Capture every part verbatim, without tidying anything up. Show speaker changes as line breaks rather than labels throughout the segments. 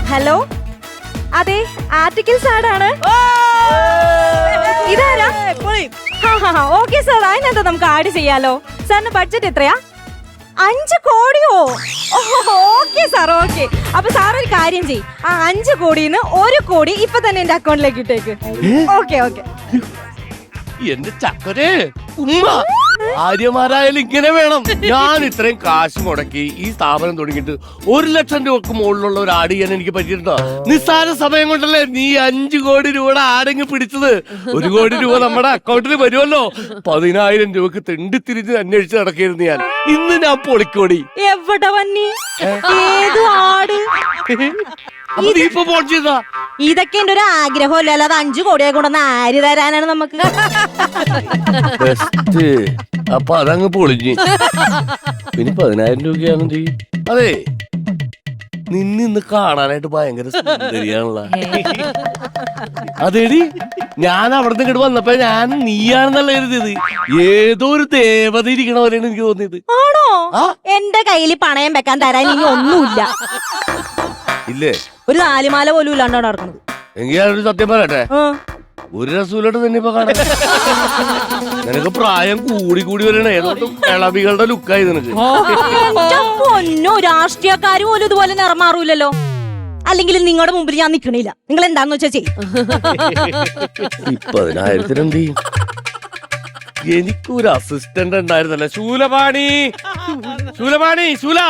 Hello, അതെ articles ആടാണ്. ഇതാരാ? Okay sir, അതിനെന്താ നമുക്ക് ആഡ് ചെയ്യാലോ. സാറിന് ബഡ്ജറ്റ് എത്രയാ? അഞ്ച് കോടിയോ? Okay sir, okay. അപ്പൊ സാർ ഒരു കാര്യം ചെയ്യും, ആ അഞ്ച് കോടിന്ന് ഒരു കോടി ഇപ്പൊ തന്നെ എന്റെ അക്കൗണ്ടിലേക്ക് ഇട്ടേക്ക്. Okay okay.
എന്റെ ചക്കരെ ഉമ്മ ആര്യമാരായാലും ഇങ്ങനെ വേണം. ഞാൻ ഇത്രയും കാശ് മുടക്കി ഈ സ്ഥാപനം തുടങ്ങിയിട്ട് ഒരു ലക്ഷം രൂപക്ക് മുകളിലുള്ള ഒരു ആട് ചെയ്യാൻ എനിക്ക് പറ്റിയിട്ടുണ്ടോ? നിസ്സാര സമയം കൊണ്ടല്ലേ നീ അഞ്ചു കോടി രൂപയുടെ ആടെങ്ങ് പിടിച്ചത്. ഒരു കോടി രൂപ നമ്മുടെ അക്കൗണ്ടിൽ വരുമല്ലോ. പതിനായിരം രൂപക്ക് തെണ്ടിത്തിരിഞ്ഞ് അന്വേഷിച്ച് നടക്കായിരുന്നു ഞാൻ. ഇന്ന് ഞാൻ പൊളിക്കോടി.
എവിടെ വന്നി? ഏത് ആട്?
ഇപ്പൊ ഫോൺ ചെയ്താ
ഇതൊക്കെ എന്റെ ഒരു ആഗ്രഹമല്ല, അല്ലാതെ അഞ്ചു കോടിയെ കൊണ്ടൊന്ന് ആര് തരാനാണ് നമുക്ക്?
അപ്പൊ അതങ്ങ് പൊളിഞ്ഞ്. പിന്നെ പതിനായിരം രൂപയാണെന്ന് ചെയ്യും. അതെ, നിന്നിന്ന് കാണാനായിട്ട് ഭയങ്കര സുന്ദരിയാണല്ലോ. അതേടി, ഞാൻ അവിടെ നിന്ന് ഇങ്ങോട്ട് വന്നപ്പോ ഞാൻ നീയാണെന്നല്ല കരുതിയത്. ഏതോ ഒരു ദേവത ഇരിക്കണ പോലെയാണ് എനിക്ക് തോന്നിയത്.
ആണോ? എന്റെ കയ്യിൽ പണയം വെക്കാൻ തരാൻ ഇനി ഒന്നുമില്ല.
ഇല്ലേ?
ഒരു നാലുമാല പോലും ഇല്ലാണ്ടോ നടക്കുന്നത്.
എങ്കിൽ ഞാനൊരു സത്യം പറയട്ടെ, ഒരു രസൂലോട്ട് തന്നെ ഇപ്പൊ കാണാൻ. നിനക്ക് പ്രായം കൂടി കൂടി വരണേ. ഏതോട്ടും ഇളവികളുടെ ലുക്കായി നിനക്ക്.
പൊന്നോ, രാഷ്ട്രീയക്കാര് പോലും ഇതുപോലെ നിറമാറൂലല്ലോ. അല്ലെങ്കിൽ നിങ്ങളുടെ മുമ്പിൽ ഞാൻ നിക്കണില്ല. നിങ്ങൾ എന്താന്ന് വെച്ചാ ചെയ്യും.
പതിനായിരത്തിന് എന്ത് ചെയ്യും? എനിക്കൊരു അസിസ്റ്റന്റ് ഉണ്ടായിരുന്നല്ലേ, ശൂലപാണി. ശൂലപാണി, ശൂല.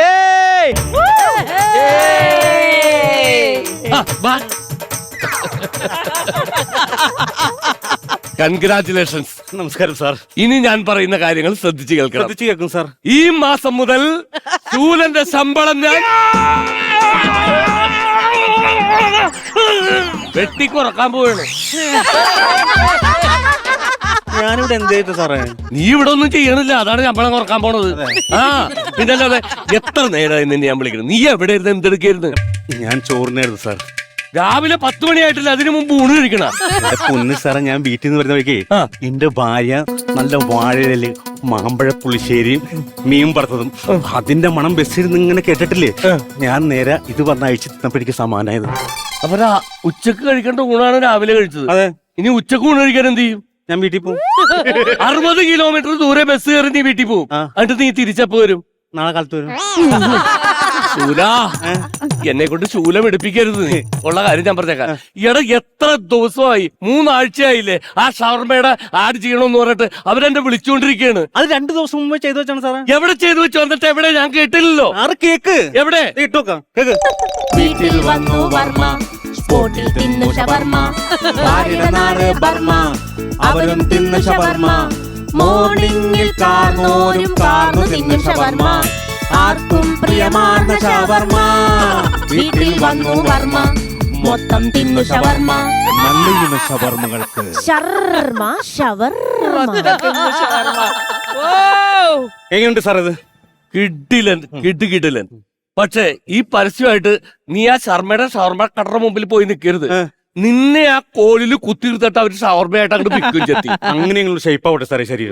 കൺഗ്രാറ്റുലേഷൻസ്.
നമസ്കാരം സാർ.
ഇനി ഞാൻ പറയുന്ന കാര്യങ്ങൾ ശ്രദ്ധിച്ചു കേൾക്കണം.
ശ്രദ്ധിച്ചു കേൾക്കും സാർ.
ഈ മാസം മുതൽ ശൂലന്റെ ശമ്പളം ഞാൻ വെട്ടിക്കുറക്കാൻ പോവാണ്.
ഞാനിവിടെ എന്ത് ചെയ്തു സാറേ?
നീ ഇവിടെ ഒന്നും ചെയ്യണില്ല, അതാണ് ശമ്പളം കുറക്കാൻ പോണത്. ആ പിന്നെ അല്ലാതെ എത്ര നേരമായി നിന്നെ ഞാൻ വിളിക്കണം. നീ എവിടെ ഇരുന്ന് എന്തെടുക്കായിരുന്നു?
ഞാൻ ചോറിനായിരുന്നു സാർ.
രാവിലെ പത്ത് മണിയായിട്ടില്ല, അതിനു മുമ്പ് ഊണ് കഴിക്കണ.
പൊന്ന് സാറേ, ഞാൻ വീട്ടിൽ നിന്ന് വരുന്ന വഴിക്ക് എന്റെ ഭാര്യ നല്ല വാഴയില് മാമ്പഴ പുളിശ്ശേരിയും മീൻ വറുത്തതും അതിന്റെ മണം ബസ്സിൽ നിന്ന് ഇങ്ങനെ കേട്ടിട്ടില്ലേ, ഞാൻ നേരെ ഇത് പറഞ്ഞ അയച്ചു തന്നപ്പോ എനിക്ക് സമാനായത്.
അപ്പൊ ഉച്ചക്ക് കഴിക്കേണ്ട ഊണാണ് രാവിലെ കഴിച്ചത്.
അതെ.
ഇനി ഉച്ചക്ക് ഊണ് കഴിക്കാൻ എന്ത് ചെയ്യും?
ഞാൻ വീട്ടിൽ പോകും.
അറുപത് കിലോമീറ്റർ ദൂരെ ബസ് കയറി നീ വീട്ടിൽ പോകും. എന്നിട്ട് നീ തിരിച്ചപ്പോ വരും?
നാളെ കാലത്ത് വരും.
ശൂല, എന്നെ കൊണ്ട് ശൂലം എടുപ്പിക്കരുത് നീ. ഉള്ള കാര്യം ഞാൻ പറഞ്ഞേക്കാം. ഈയിടെ എത്ര ദിവസമായി, മൂന്നാഴ്ചയായില്ലേ ആ ഷവർമ്മയുടെ ആഡ് ചെയ്യണമെന്ന് പറഞ്ഞിട്ട് അവരെന്നെ വിളിച്ചുകൊണ്ടിരിക്കുകയാണ്.
അത് രണ്ടു ദിവസം മുമ്പ് ചെയ്തു വെച്ചാണ് സാറേ.
എവിടെ ചെയ്തു വെച്ചു? എന്നിട്ട് എവിടെ? ഞാൻ കേട്ടില്ലല്ലോ.
ആറ് കേക്ക്
എവിടെ?
ഇട്ടോക്കാം കേക്ക്.
വീട്ടിൽ വന്നു വർമ്മ, സ്പോട്ടിൽ തിന്നു ഷവർമ്മ. ഭാര്യയുടെ നാട് ബർമ്മ, അവരും തിന്നു ഷവർമ്മ. മോർണിംഗിൽ കാർന്നോരും കാർന്നു തിന്നു ഷവർമ്മ. ആർക്കും പ്രിയമാർന്ന ഷവർമ്മ. വീട്ടിൽ വന്നു വർമ്മ, മൊത്തം തിന്നു ഷവർമ്മ.
നല്ല ഷവർമ്മകൾക്ക്
ഷർമ്മ ഷവർമ്മ.
എങ്ങനെയുണ്ട് സാർ ഇത്?
കിഡിലൻ, കിഡ് കിഡിലൻ. പക്ഷേ ഈ പരസ്യമായിട്ട് നീ ആ ശർമ്മയുടെ ഷവർമ്മ കടയുടെ മുമ്പിൽ പോയി നിൽക്കരുത്. നിന്നെ ആ കോലില് കുത്തിയിരുത്തിട്ട് അവര് ഷവർമ്മയായിട്ട് അങ്ങോട്ട് പിക്കും ചെത്തി.
അങ്ങനെയുള്ള ഷേപ്പ് ആവട്ടെ സാറേ ശരീരം.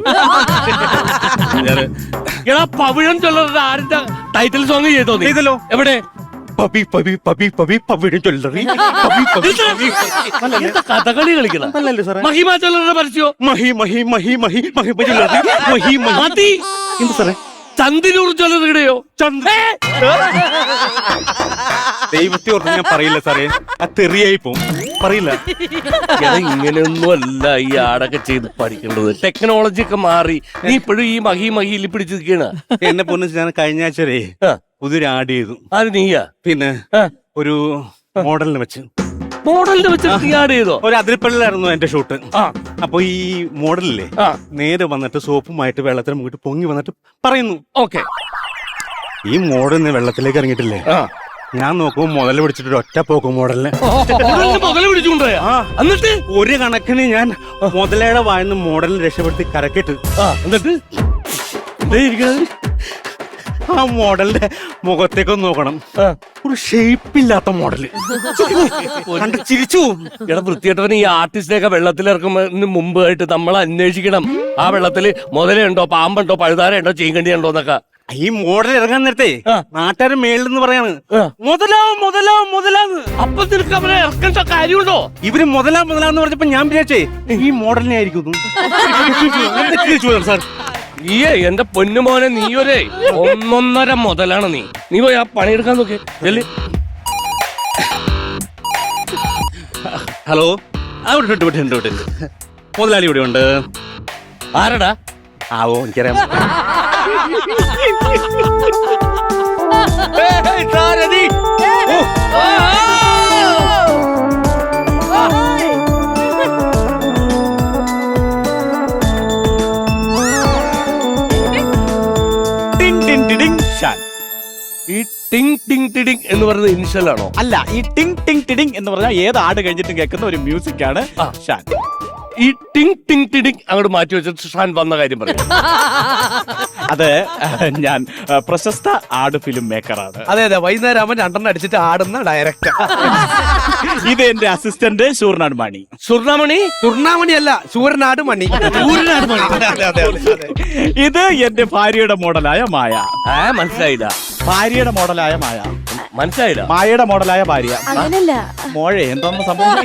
എടാ, പവിഴം ചൊല്ലറുടെ ആരുടെ ടൈറ്റിൽ സോങ് ചെയ്തോ നീ?
ചെയ്തല്ലോ.
എവിടെ?
പപ്പി പപ്പി പപ്പി പപ്പി പവിഴം ചൊല്ലറി.
കഥകളി കളിക്കണം.
അല്ലല്ലേ സാറേ?
മഹിമ ചൊല്ലറുടെ പരസ്യോ?
മഹി മഹി മഹി മഹി മഹി ചൊല്ലറി. മഹി മഹി. എന്ത് സാറേ?
ചന്ദിനൂർ ചൊല്ലറുടെയോ?
ദൈവത്തെ ഓർത്ത് ഞാൻ പറയില്ല സാറേ, ആ തെറിയായി പോവും. പറയില്ല.
ഇങ്ങനെയൊന്നും അല്ല ഈ ആടൊക്കെ ചെയ്ത് പഠിക്കേണ്ടത്. ടെക്നോളജി ഒക്കെ മാറി. നീ ഇപ്പോഴും ഈ മഹി മഹിയിൽ പിടിച്ചു നിൽക്കണ.
എന്നെ പൊന്ന് ഞാൻ കഴിഞ്ഞ ആഴ്ച പുതിയൊരു ആഡ് ചെയ്തു.
അത് നീയാ?
പിന്നെ ഒരു മോഡലിനെ വെച്ച്
മോഡലിനെ വെച്ച് നീ ആഡ് ചെയ്തോ?
ഒരു അതിരപ്പള്ളിലായിരുന്നു എന്റെ ഷൂട്ട്. അപ്പൊ ഈ മോഡലില്ലേ നേരെ വന്നിട്ട് സോപ്പുമായിട്ട് വെള്ളത്തിന് മുങ്ങിട്ട് പൊങ്ങി വന്നിട്ട് പറയുന്നു,
ഓക്കെ
ഈ മോഡലിന് വെള്ളത്തിലേക്ക് ഇറങ്ങിയിട്ടില്ലേ, ഞാൻ നോക്കുമ്പോ മുതല് പിടിച്ചിട്ട് ഒറ്റ പോക്കും മോഡലിനെ.
മുതല് പിടിച്ചുകൊണ്ടോയാ? എന്നിട്ട്
ഒരു കണക്കിന് ഞാൻ മുതലയുടെ വായന്ന് മോഡലിനെ രക്ഷപ്പെടുത്തി കരക്കിട്ട്
എന്നിട്ട്
ആ മോഡലിന്റെ മുഖത്തേക്കൊന്ന് നോക്കണം, ഒരു ഷേപ്പില്ലാത്ത മോഡല് കണ്ട് ചിരിച്ചു.
എടാ വൃത്തിയായിട്ടവൻ, ഈ ആർട്ടിസ്റ്റിനെയൊക്കെ വെള്ളത്തിലിറക്കുന്നതിന് മുമ്പായിട്ട് നമ്മൾ അന്വേഷിക്കണം ആ വെള്ളത്തില് മുതലുണ്ടോ പാമ്പുണ്ടോ പഴുതാരയുണ്ടോ ചീങ്കണ്ടിയുണ്ടോ എന്നൊക്കെ.
ഈ മോഡൽ ഇറങ്ങാൻ നേരത്തെ
ആ.
നാട്ടുകാരൻ മേളിന്ന് പറയാണ്
ആ.
മുതലാവും മുതലാവും മുതലാന്ന്.
അപ്പൊ നിനക്ക് അവനെ ഇറക്കേണ്ട കാര്യമുണ്ടോ?
ഇവര് മുതലാ മുതലാന്ന് പറഞ്ഞപ്പോ ഞാൻ വിചാരിച്ചേ ഈ മോഡലിനെ ആയിരിക്കും സാർ.
നീയേ എന്റെ പൊന്നുമോനെ, നീ ഒരേ ഒന്നൊന്നര മുതലാണ് നീ. നീ പോയി ആ പണിയെടുക്കാൻ നോക്കി.
ഹലോ, അവിടെ വിട്ട് വിട്ട് വിട്ട് വിട്ട് മുതലാളി ഇവിടെ ഉണ്ട്.
ആരടാ?
ആവോ എനിക്കറിയാം.
ഈ ടിങ് ടിങ് ടിഡിങ് എന്ന് പറയുന്നത് ഇനിഷ്യൽ ആണോ?
അല്ല, ഈ ടിങ് ടിങ് ടിഡിങ് എന്ന് പറഞ്ഞാൽ ഏത് ആട് കഴിഞ്ഞിട്ടും കേൾക്കുന്ന ഒരു മ്യൂസിക് ആണ്
ആ.
ഷാൻ.
ഈ ടിങ് ടിങ് ടിഡിങ് അങ്ങോട്ട് മാറ്റി വെച്ചിട്ട് ഷാൻ വന്ന കാര്യം പറയും.
അത് ഞാൻ ആ, പ്രശസ്ത ആട് ഫിലിം മേക്കറാണ്.
അതെ അതെ, വൈകുന്നേരം ആവുമ്പോൾ രണ്ടെണ്ണം അടിച്ചിട്ട് ആടുന്ന ഡയറക്ടർ.
ഇത് എന്റെ അസിസ്റ്റന്റ് ഷൂർനാട് മണി.
സുർണമണി
തുർണാമണി അല്ല, സൂര്യനാട് മണി.
സൂര്യനാട് മണി.
അതെ, അതെ, അതെ, അതെ.
ഇത് എന്റെ ഭാര്യയുടെ മോഡലായ മായ.
ആ മനസ്സിലായില്ല,
ഭാര്യയുടെ മോഡലായ മായ.
മനസ്സിലായില്ല.
മായയുടെ മോഡലായ ഭാര്യ.
അങ്ങനല്ല
മോഴെ എന്തോന്ന് സംഭവം?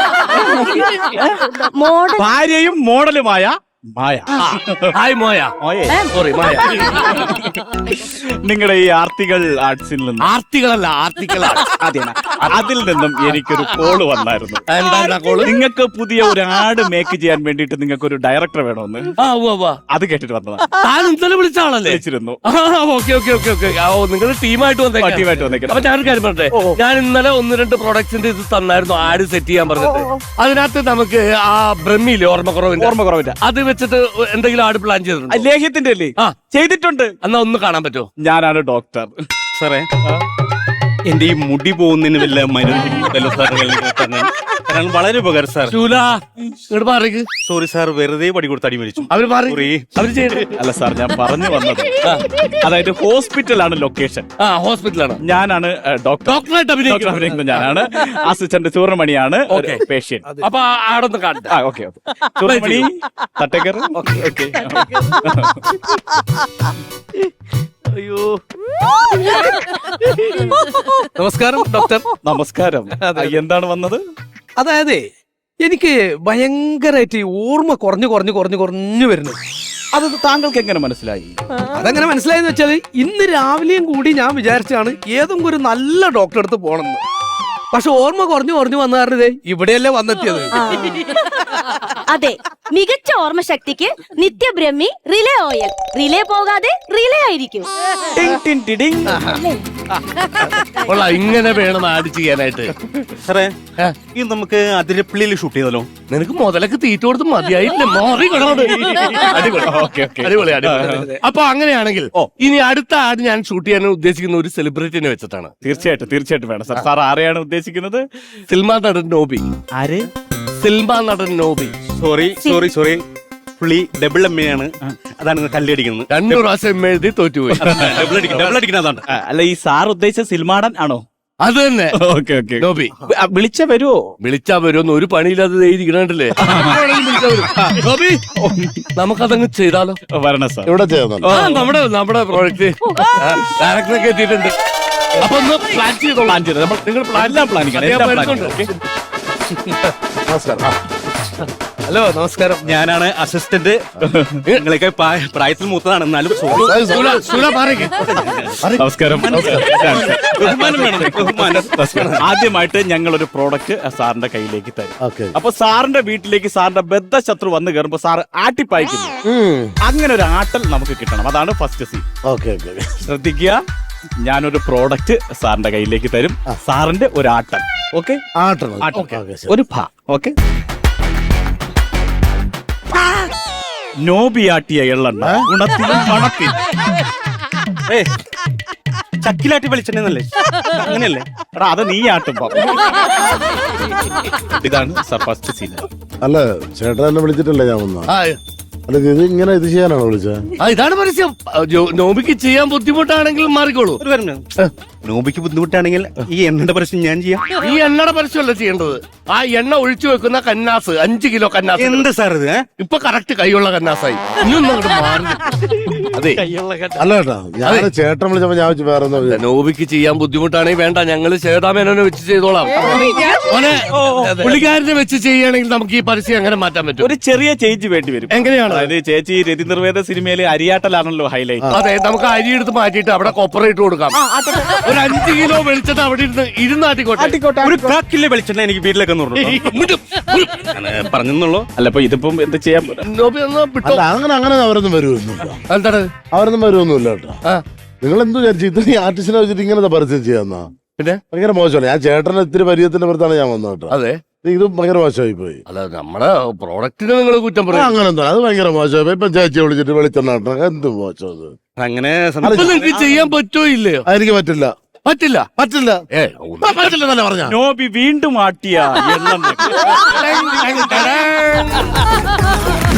മോഡൽ
ഭാര്യയും മോഡലുമായ മായ.
ഹായ് മോയ.
മോയെ,
സോറി മായ.
നിങ്ങളുടെ ഈ ആർട്ടികൾ ആർട്സിൽ നിന്നും
ആർത്തികളല്ല, ആർത്തികളാണ്.
അതെയാണ്, അതിൽ നിന്നും എനിക്കൊരു കോള് വന്നായിരുന്നു.
എന്താ കോള്?
നിങ്ങൾക്ക് പുതിയ ഒരു ആട് മേക്ക് ചെയ്യാൻ വേണ്ടിയിട്ട് നിങ്ങൾക്ക് ഒരു ഡയറക്ടർ വേണമെന്ന്.
ആ ഉവ്വ് ഉവ്വ്.
അത് കേട്ടിട്ട് വന്നതാ.
താൻ ഇന്നലെ വിളിച്ച ആളല്ലേ?
വിളിച്ചിരുന്നു.
Okay okay okay okay. Oh നിങ്ങൾ ടീമായിട്ട് വന്നേക്കാം.
ടീമായിട്ട് വന്നേക്കാം.
അപ്പൊ ഞാനൊരു കാര്യം പറഞ്ഞേ, ഞാൻ ഇന്നലെ ഒന്ന് രണ്ട് പ്രൊഡക്ട്സിന്റെ ഇത് തന്നായിരുന്നു, ആഡ് സെറ്റ് ചെയ്യാൻ പറഞ്ഞിട്ട്. അതിനകത്ത് നമുക്ക് ആ ബ്രഹ്മിയില്ലേ, ഓർമ്മക്കുറവിന്റെ
ഓർമ്മ കുറവില്ല.
അത് വെച്ചിട്ട് എന്തെങ്കിലും ആഡ് പ്ലാൻ ചെയ്തിട്ടുണ്ടോ?
ലേഹ്യത്തിന്റെ അല്ലേ?
ആ.
ചെയ്തിട്ടുണ്ട്.
എന്നാ ഒന്ന് കാണാൻ പറ്റുമോ?
ഞാനാണ് ഡോക്ടർ.
സാറേ, എന്റെ ഈ മുടി പോകുന്നതിന് വല്ല മരുന്ന് സാർ? കാരണം വളരെ ഉപകാരം സാർ.
ശൂല ഇങ്ങോട്ട് മാറിക്ക്.
സോറി സാർ, വെറുതെ പടി കൊടുത്ത് അടി മരിച്ചു.
അവര് മാറി,
Sorry.
അവര് ചെയ്തു.
അല്ല സാർ, ഞാൻ പറഞ്ഞു വന്നത് അതായത് ഹോസ്പിറ്റലാണ് ലൊക്കേഷൻ.
ആ ഹോസ്പിറ്റലാണ്.
ഞാനാണ് ഡോക്ടർ.
ഡോക്ടറായിട്ട്
ഡോക്ടർ
അഭിനയിക്കണം.
അഭിനയിക്കുന്നത് ഞാനാണ്. അസിസ്റ്റന്റ് ചൂർമണിയാണ്
Okay.
പേഷ്യന്റ്.
അപ്പൊ ആടൊന്ന് കാണട്ടെ.
ആ okay okay. Choormani Thattekkar. Okay.
അയ്യോ
നമസ്കാരം ഡോക്ടർ.
നമസ്കാരം. ആ, എന്താണ് വന്നത്?
അതായത് എനിക്ക് ഭയങ്കരമായിട്ട് ഈ ഓർമ്മ കുറഞ്ഞു കുറഞ്ഞു കുറഞ്ഞു കുറഞ്ഞു വരുന്നു.
അത് താങ്കൾക്ക് എങ്ങനെ മനസ്സിലായി?
അതെങ്ങനെ മനസ്സിലായെന്ന് വെച്ചാല് ഇന്ന് രാവിലെയും കൂടി ഞാൻ വിചാരിച്ചാണ് ഏതെങ്കിലും ഒരു നല്ല ഡോക്ടറെ അടുത്ത് പോണെന്ന്. പക്ഷെ ഓർമ്മ കുറഞ്ഞു കുറഞ്ഞു വന്ന കാരണം ദേ ഇവിടെയല്ലേ വന്നെത്തിയത്.
അതെ, മികച്ച ഓർമ്മശക്തിക്ക് നിത്യബ്രഹ്മി റിലേ ഓയിൽ. റിലേ പോകാതെ റിലേ ആയിരിക്കും.
ടിങ് ടിങ് ടിഡിങ്.
കൊള്ളാം, ഇങ്ങനെ വേണം ആഡ് ചെയ്യാനായിട്ട്.
സാറേ,
ഏ?
ഇത് നമുക്ക് അതിരപ്പള്ളിയിൽ ഷൂട്ട് ചെയ്താലോ?
നിനക്ക് മുതലൊക്കെ തീറ്റ കൊടുത്ത് മതിയായില്ലേ? മാറി കിടന്നോണ്ട്. അടിപൊളി.
Okay okay.
അടിപൊളി അടിപൊളി. അപ്പൊ അങ്ങനെയാണെങ്കിൽ
ഓ.
ഇനി അടുത്ത ആട് ഞാൻ ഷൂട്ട് ചെയ്യാൻ ഉദ്ദേശിക്കുന്ന ഒരു സെലിബ്രിറ്റിനെ വെച്ചിട്ടാണ്.
തീർച്ചയായിട്ടും തീർച്ചയായിട്ടും വേണം സാർ. സാർ ആരെയാണ് ഉദ്ദേശിക്കുന്നത്?
സിനിമാ നടൻ നോബി.
ആര്?
സിനിമാ നടൻ നോബി.
സോറി സോറി സോറി, പുള്ളി ഡബിൾ എം എ ആണ്. അതാണ് കല്ലടിക്കുന്നത്.
രണ്ടു പ്രാവശ്യം എഴുതി തോറ്റുപോയി.
ഡബിൾ അടിക്കും ഡബിൾ അടിക്കുന്ന അതാണ്.
ആ, അല്ല, ഈ സാർ ഉദ്ദേശിച്ച സിൽമാടൻ ആണോ?
അത് തന്നെ
ഓക്കെ ഓക്കെ.
നോബി.
വിളിച്ച വരുമോ?
വിളിച്ചാ വരുമെന്ന് ഒരു പണിയില്ലാതെ എഴുതിക്കണല്ലേ. നോബി, നമുക്കതങ്ങ് ചെയ്താലോ?
വരണം സാർ.
ഇവിടെ ചെയ്യുന്നുണ്ട്.
ആ നമ്മുടെ നമ്മുടെ പ്രോജക്റ്റ് ഡയറക്ടറൊക്കെ എത്തിയിട്ടുണ്ട്. അപ്പൊ ഒന്ന് പ്ലാൻ ചെയ്തോ.
പ്ലാൻ ചെയ്ത് നമ്മൾ നിങ്ങൾ എല്ലാം പ്ലാൻ ചെയ്യണം. എല്ലാം പ്ലാൻ ചെയ്യണം.
നമസ്കാരം. ആ,
ഹലോ നമസ്കാരം.
ഞാനാണ് അസിസ്റ്റന്റ്. നിങ്ങളൊക്കെ പ്രായ- പ്രായത്തിൽ മൂത്തതാണ്, എന്നാലും sorry.
സായി, സായി.
സുല, സുല മാറിക്ക്.
നമസ്കാരം.
ബഹുമാനം വേണം, ബഹുമാനം.
ആദ്യമായിട്ട് ഞങ്ങൾ ഒരു പ്രോഡക്റ്റ് സാറിന്റെ കയ്യിലേക്ക് തരും.
ഓക്കെ.
അപ്പൊ സാറിന്റെ വീട്ടിലേക്ക് സാറിന്റെ ബദ്ധശത്രു വന്ന് കയറുമ്പോ സാർ ആട്ടിപ്പായിക്കുന്നു.
ഉം.
അങ്ങനെ ഒരു ആട്ടൽ നമുക്ക് കിട്ടണം. അതാണ് first scene.
Okay okay okay.
ശ്രദ്ധിക്കുക, ഞാനൊരു പ്രോഡക്റ്റ് സാറിന്റെ കയ്യിലേക്ക് തരും. സാറിന്റെ ഒരു ആട്ടൽ. ഓക്കെ,
ആട്ടണം. ഓക്കെ, ശരി.
ഒരു ഭ. ഓക്കെ. നോബിയാട്ടിയ എള്ളെണ്ണ ഗുണത്തിലും പണത്തിലും.
ഏ, ചക്കിലാട്ടി വെളിച്ചെണ്ണല്ലേ? അങ്ങനെയല്ലേ?
എടാ, അത് നീ ആട്ടുമ്പോ. ഇതാണ് സാർ ഫസ്റ്റ് സീൻ.
അല്ല, ചേട്ടൻ എന്നെ വിളിച്ചിട്ടല്ലേ ഞാൻ വന്ന?
ആ,
അല്ല, ഇത് ഇങ്ങനെ ഇത് ചെയ്യാനാണോ വിളിച്ചത്?
ആ, ഇതാണ് പരസ്യം. ജോ- നോബിക്ക് ചെയ്യാൻ ബുദ്ധിമുട്ടാണെങ്കിൽ മാറിക്കോളൂ.
ഒരു വരണം. നോബിക്ക് ബുദ്ധിമുട്ടാണെങ്കിൽ ഈ എണ്ണയുടെ പ്രശ്നം ഞാൻ ചെയ്യാം.
ഈ എണ്ണയുടെ പരസ്യമല്ല ചെയ്യേണ്ടത്, ആ എണ്ണ ഒഴിച്ചു വെക്കുന്ന കന്നാസ്, അഞ്ച് കിലോ കന്നാസ്.
എന്ത് സാർ ഇത് ഏ?
ഇപ്പൊ കറക്റ്റ് കൈയുള്ള കന്നാസായി. ഇനിയൊന്നും അങ്ങോട്ട് മാറി. അതെ,
അല്ല കേട്ടോ, ഞാൻ ചേട്ടൻ വിളിച്ചപ്പോ ഞാൻ വെച്ച് വേറെ ഒന്നും വിചാരിച്ചു.
നോബിക്ക് ചെയ്യാൻ ബുദ്ധിമുട്ടാണെങ്കിൽ വേണ്ട, ഞങ്ങള് ശ്വേതാമേനോനെ വെച്ച് ചെയ്തോളാം. മോനെ, പുള്ളിക്കാരനെ വെച്ച് ചെയ്യുകയാണെങ്കിൽ നമുക്ക് ഈ പരസ്യം എങ്ങനെ മാറ്റാൻ പറ്റും?
ഒരു ചെറിയ ചേഞ്ച് വേണ്ടി വരും.
എങ്ങനെയാണ്?
അതായത് ചേച്ചി രതി നിർവേദ സിനിമയില് അരിയാട്ടലാണല്ലോ ഹൈലൈറ്റ്.
അതെ, നമുക്ക് അരി എടുത്ത് മാറ്റിയിട്ട് അവിടെ കൊപ്പറേറ്റ് കൊടുക്കാം. ഒരു അഞ്ച് കിലോ വെളിച്ചെണ്ണ അവിടെ ഇരുന്ന് ഇരുന്നാട്ടിക്കോട്ടെ.
ഒരു കാക്കിലെ വെളിച്ചെണ്ണ എനിക്ക് വീട്ടിലേക്ക് പറഞ്ഞെന്നുള്ളൂ.
അല്ല ഇപ്പൊ ഇതിപ്പം എന്താ ചെയ്യാൻ പറ്റും?
നോബി ഒന്ന് വിട്ടോ.
അല്ല അങ്ങനെ അങ്ങനെ അവരൊന്നും വരുമൊന്നുമില്ല,
എന്താണ്?
അവരൊന്നും വരുമൊന്നുമില്ല കേട്ടോ.
ആ,
നിങ്ങൾ എന്ത് വിചാരിച്ചു ഇത്രയും ആർട്ടിസ്റ്റിനെ വെച്ചിട്ട് ഇങ്ങനത്തെ പരസ്യം ചെയ്യാന്നാ?
പിന്നെ
ഭയങ്കര മോശമല്ല. ഞാൻ ചേട്ടനെ ഇത്തിരി പരിചയത്തിന്റെ പുറത്താണ് ഞാൻ വന്നത് കേട്ടോ.
അതെ,
ഇത് ഭയങ്കര മോശമായി പോയി.
അല്ല നമ്മുടെ പ്രോഡക്റ്റിന് നിങ്ങൾ കുറ്റം
ആ,
പറയും.
അങ്ങനെ എന്താ, അത് ഭയങ്കര മോശമായി പോയി. ഇപ്പൊ ചേച്ചിയെ വിളിച്ചിട്ട് വെളിച്ചെണ്ണ ഇട്ടണം. എന്ത് മോശം അത്.
അങ്ങനെ
അപ്പൊ നിങ്ങൾക്ക് ചെയ്യാൻ പറ്റുമോ ഇല്ലയോ?
എനിക്ക് പറ്റില്ല,
പറ്റില്ല.
പറ്റില്ല,
ഏ
പറ്റില്ലെന്നല്ല പറഞ്ഞ.
നോബി വീണ്ടും ആട്ടിയ എണ്ണം.